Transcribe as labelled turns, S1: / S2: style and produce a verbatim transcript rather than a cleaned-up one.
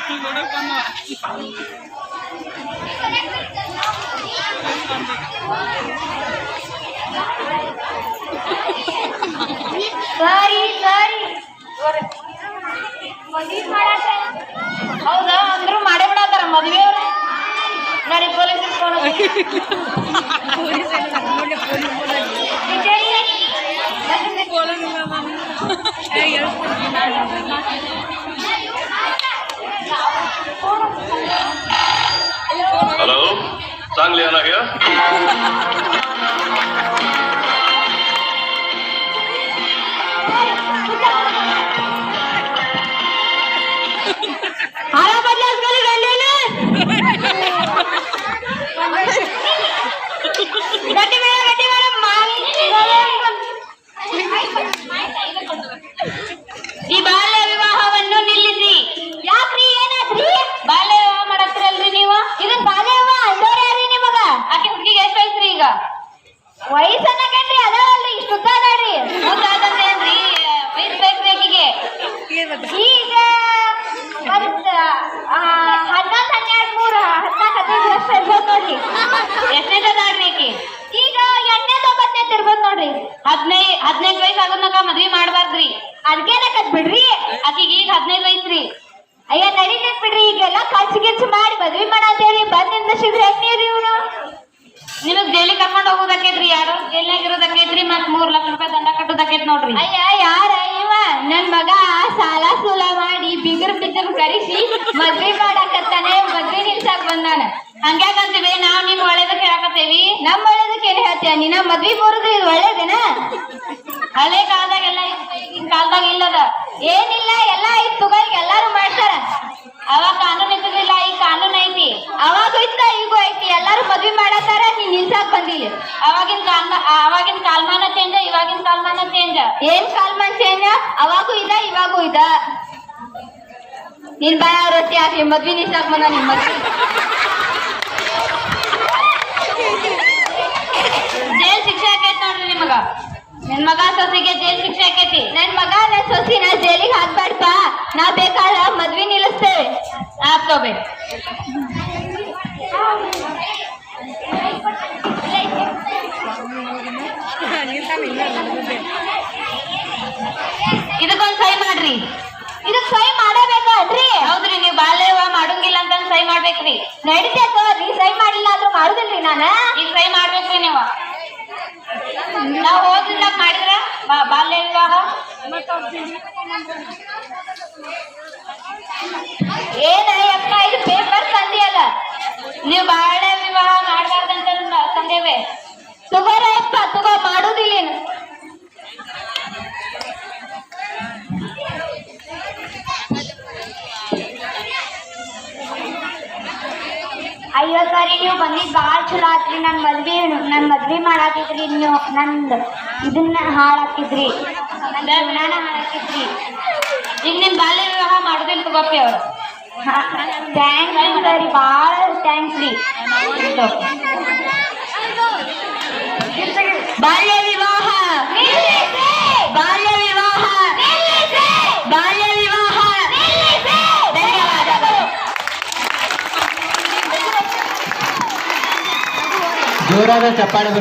S1: ಸರಿ ಸರಿ ಹೌದಾ ಅಂದ್ರು ಮಾಡೇ ಬಿಡತ್ತಾರ ಮದ್ವೆ ಅವ್ರ ಗಾಡಿ ಪೊಲೀಸ್
S2: हॅलो चांगली आहे ना ग
S1: हारा बदलास गेली गंडीने गड्डी मेरा गड्डी मेरा मांग ಈ ಬಾಲ್ಯ ವಿವಾಹವನ್ನು ನಿಲ್ಲಿಸಿ. ಯಾಕ್ರಿ ಏನಾದ್ರಿ? ಬಾಲ್ಯ ವಿವಾಹ ಮಾಡತ್ತೀರಲ್ರಿ ನೀವು? ಇದನ್ ಬಾಲ್ಯ ವಿವಾಹ ಅಂದೋರ್ ಯಾರ್ರಿ ನಿಮಗ? ಆಕೆ ಹುಡುಗಿಗೆ ಎಷ್ಟು ವಯಸ್ಸ್ರಿ ಈಗ? ವಯಸ್ಸನ್ನಕೇನ್ರಿ ಅದಾವಲ್ರಿ ಇಷ್ಟು ಉದ್ದ ಅದಾಳ್ರಿ. ಉದ್ದಾದಂತೇನ್ರಿ ವಯಸ್ಸು ಬೇಕ್ರಿ ಆಕಿಗೆ. ಈಗ ಹನ್ನೊಂದು ಹನ್ನೆರಡು ಮೂರು ಹದಿನಾಲ್ಕು ಹದಿನೈದು ವರ್ಷ ಇರ್ಬೋದು ನೋಡ್ರಿ. ಎಷ್ಟನೇದ ಅದಾಳ್ರಿ ಆಕಿ? ಈಗ ಎಂಟನೇದ ಒಂಬತ್ತನೇದ ಇರ್ಬೋದು ನೋಡ್ರಿ. ಹದಿನೈದು ಹದಿನೈದು ವಯಸ್ಸು ಆಗೋದ್ನಾಗ ಮದ್ವಿ ಮಾಡ್ಬಾರ್ದ್ರಿ. ಅದಕ್ಕೇನಕತ್ ಬಿಡ್ರಿ ಆಕಿಗೆ ಈಗ ಹದಿನೈದು ವಯಸ್ಸ್ರಿ. ಅಯ್ಯ ನಡೀತೈತ್ ಬಿಡ್ರಿ. ಈಗೆಲ್ಲ ಖರ್ಚು ಗಿರ್ಚು ಮಾಡಿ ಮದ್ವಿ ಮಾಡತ್ತೇಳಿ ಬಂದ್ ನಿಂದಿಸಿದ್ರೆ ಹೆಂಗ್ರಿ ಇವ್ನು? ನಿಮಗ್ ಜೈಲಿಗೆ ಕರ್ಕೊಂಡು ಹೋಗೋದಕ್ಕೈತ್ರಿ. ಯಾರು ಜೈಲ್ನಾಗ ಇರೋದಕ್ಕೈತ್ರಿ. ಮತ್ ಮೂರ್ ಲಕ್ಷ ರೂಪಾಯಿ ದಂಡ ಕಟ್ಟೋದಕ್ಕೈತ್ ನೋಡ್ರಿ. ಅಯ್ಯ ಯಾರ ಇವ? ನನ್ ಮಗ ಸಾಲ ಸೂಲ ಮಾಡಿ ಬಿಗರ್ ಬಿದ್ದರ್ ಕರೆಸಿ ಮದ್ವಿ ಮಾಡಾಕತ್ತಾನೆ. ಮದ್ವಿ ನಿಲ್ಸಾಕ್ ಬಂದಾನ. ಹಂಗ್ಯಾಕಂತೀವಿ ನಾವ್ ನಿಮ್ ಒಳ್ಳೇದಕ್ಕೆ ಹೇಳಕತ್ತೇವಿ. ನಮ್ ಒಳ್ಳೇದಕ್ಕೆ ಏನ್ ಹೇಳ್ತೀಯ ನೀನ? ಮದ್ವಿ ಬರುದು ಇದು ಒಳ್ಳೇದೇನ? ಹಳೆ ಕಾಲದಾಗೆಲ್ಲ ಈಗಿನ ಕಾಲದಾಗ ಇಲ್ಲದ ಏನಿಲ್ಲ. ಎಲ್ಲ ಐತ್ ತಗೋ, ಈಗ ಎಲ್ಲಾರು ಮಾಡ್ತಾರ. ಅವಾಗ ಕಾನೂನು ಇದ್ದಿಲ್ಲ, ಈಗ ಕಾನೂನು ಐತಿ. ಅವಾಗ ಇತ್ತ ಈಗೂ ಐತಿ. ಎಲ್ಲಾರು ಮದ್ವಿ ಮಾಡತ್ತಾರ, ನೀನ್ ನಿಲ್ಸಾಕ್ ಬಂದಿಲ್ಲ. ಅವಾಗಿನ ಕಾಲ ಅವಾಗಿನ ಕಾಲಮಾನ ಚೇಂಜ್, ಇವಾಗಿನ ಕಾಲಮಾನ ಚೇಂಜ್. ಏನ್ ಕಾಲಮಾನ ಚೇಂಜ್? ಅವಾಗೂ ಇದ ಇವಾಗೂ ಇದ. ನಿನ್ ಬಾಯ ರೊಟ್ಟಿ ಹಾಕಿ ಮದ್ವಿ ನಿಲ್ಸಾಕ್ ಬಂದ. ನಿನ್ ಮದ್ವಿ ಜೈಲ್ ಶಿಕ್ಷೆ ಆಕೈತಿ ನೋಡ್ರಿ ನಿಮಗ. ನನ್ ಮಗ ಸೊಸಿಗೆ ಜೈಲ್ ಶಿಕ್ಷೆ ಆಕೈತಿ. ನನ್ ಮಗ ನನ್ ಸೊಸಿನ ಜೈಲಿಗೆ ಹಾಕ್ಬೇಡಪ್ಪ. ನಾವ್ ಬೇಕಾದ ಮದ್ವಿ ನಿಲ್ಲಿಸ್ತೇವೆ. ಆಗ್ತೋಬೆ ಇದಕ್ಕೊಂದ್ ಸಹಿ ಮಾಡ್ರಿ. ಇದಕ್ ಸಹಿ ಮಾಡಬೇಕಲ್ರಿ? ಹೌದ್ರಿ. ನೀವ್ ಬಾಲ್ಯ ವಿವಾಹ ಮಾಡಂಗಿಲ್ಲ ಅಂತ ಸಹಿ ಮಾಡ್ಬೇಕ್ರಿ. ನಡಿತೈತ ನೀ ಸಹಿ ಮಾಡಿಲ್ಲ ಅಂದ್ರೂ ಮಾಡುದಿಲ್ರಿ. ನಾನ ಈಗ ಸಹಿ ಮಾಡ್ಬೇಕ್ರಿ. ನೀವು ನಾವ್ ಹೋಗಿಲ್ಲ ಮಾಡಿದ್ರ ಬಾಲ್ಯ ವಿವಾಹ ಏನ ಅಪ್ಪ ಇದು ಪೇಪರ್ ತಂದಿಯಲ್ಲ. ನೀವು ಬಾಲ್ಯ ವಿವಾಹ ಮಾಡ್ಬಾರ್ದಂತ ತಂದೇವೆ. ತಗೋರಪ್ಪ ತಗೋ, ಮಾಡುದಿಲ್ಲ. ಅಯ್ಯೋ ಸರಿ, ನೀವು ಬಂದಿದ್ ಬಾಳ್ ಚಲೋ ಆತ್ರಿ. ನನ್ ಮದ್ವಿ ನನ್ ಮದ್ವಿ ಮಾಡಾಕಿದ್ರಿ. ನೀವು ನಂದ್ ಇದನ್ನ ಹಾಳಾಕಿದ್ರಿ, ನನ್ ಜೀವನಾನ ಹಾಳಾಕಿದ್ರಿ. ಈಗ ನಿಮ್ ಬಾಲ್ಯ ವಿವಾಹ ಮಾಡುದಿಲ್ಲ ತಗೋಪಿ ಅವ್ರು. ಥ್ಯಾಂಕ್ಸ್ ರೀ ಸರಿ, ಭಾಳ ಥ್ಯಾಂಕ್ಸ್ ರೀ. ಬಾಲ್ಯ ವಿವಾಹ ಬಾಲ್ಯ ವಿವಾಹ ಬಾಲ್ಯ ವಿವಾಹ. ಧನ್ಯವಾದಗಳು.
S3: ಜೋರಾದ ಚಪ್ಪಾಳೆ.